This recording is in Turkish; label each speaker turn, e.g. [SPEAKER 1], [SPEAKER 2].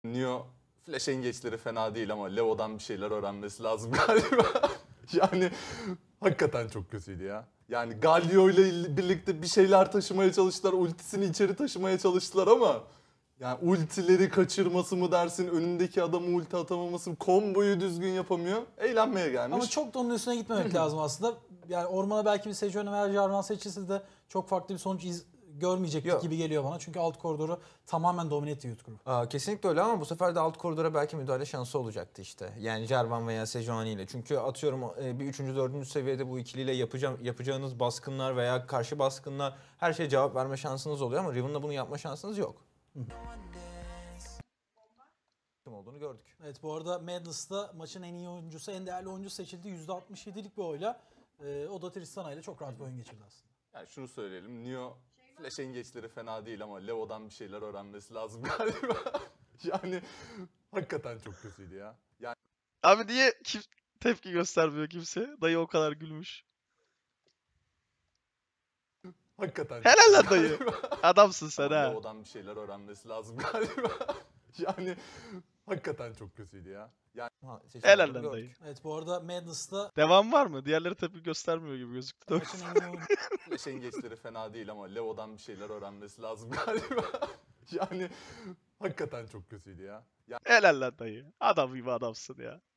[SPEAKER 1] Neo flash engeçleri fena değil ama Leo'dan bir şeyler öğrenmesi lazım galiba. Yani hakikaten çok kötüydü ya. Yani Galio ile birlikte bir şeyler taşımaya çalıştılar. Ultisini içeri taşımaya çalıştılar ama yani ultileri kaçırması mı dersin, önündeki adamı ulti atamaması mı, komboyu düzgün yapamıyor. Eğlenmeye gelmiş.
[SPEAKER 2] Ama çok da onun üstüne gitmemek lazım aslında. Yani ormana belki bir Sejuani veya Jarvan seçilse de çok farklı bir sonuç görmeyecektik
[SPEAKER 3] Yok.
[SPEAKER 2] gibi geliyor bana. Çünkü alt koridoru tamamen domine etti Youth Group.
[SPEAKER 3] Kesinlikle öyle ama bu sefer de alt koridora belki müdahale şansı olacaktı işte. Yani Jarvan veya Sejuani ile. Çünkü atıyorum bir 3. 4. seviyede bu ikiliyle yapacağınız baskınlar veya karşı baskınlar her şeye cevap verme şansınız oluyor ama Riven'la bunu yapma şansınız yok. Kim olduğunu gördük.
[SPEAKER 2] Evet, bu arada Madness'ta maçın en iyi oyuncusu, en değerli oyuncusu seçildi. %67'lik bir oyla. O da Tristana ile çok rahat bir oyun geçirdi aslında.
[SPEAKER 1] Yani şunu söyleyelim. Neo flash engeçleri fena değil ama Leo'dan bir şeyler öğrenmesi lazım galiba. Yani hakikaten çok kötüydü ya. Yani
[SPEAKER 4] Abi niye tepki göstermiyor kimse? Dayı o kadar gülmüş.
[SPEAKER 1] hakikaten
[SPEAKER 4] Helal lan
[SPEAKER 1] çok
[SPEAKER 4] dayı.
[SPEAKER 1] kötüydü galiba.
[SPEAKER 4] Adamsın sen
[SPEAKER 1] Ama
[SPEAKER 4] ha.
[SPEAKER 1] Leo'dan bir şeyler öğrenmesi lazım galiba. Yani hakikaten çok kötüydü ya. Yani
[SPEAKER 4] Helal
[SPEAKER 3] Seçimleri
[SPEAKER 4] lan
[SPEAKER 3] gördük.
[SPEAKER 4] dayı.
[SPEAKER 2] Evet, bu arada Madness'ta
[SPEAKER 4] Devam var mı? Diğerleri tepki göstermiyor gibi gözüktü.
[SPEAKER 2] maçın en iyi oyuncusu.
[SPEAKER 1] flash engeçleri fena değil ama Leo'dan bir şeyler öğrenmesi lazım galiba. Yani hakikaten çok kötüydü ya.
[SPEAKER 4] Helal lan dayı. Adam gibi adamsın ya.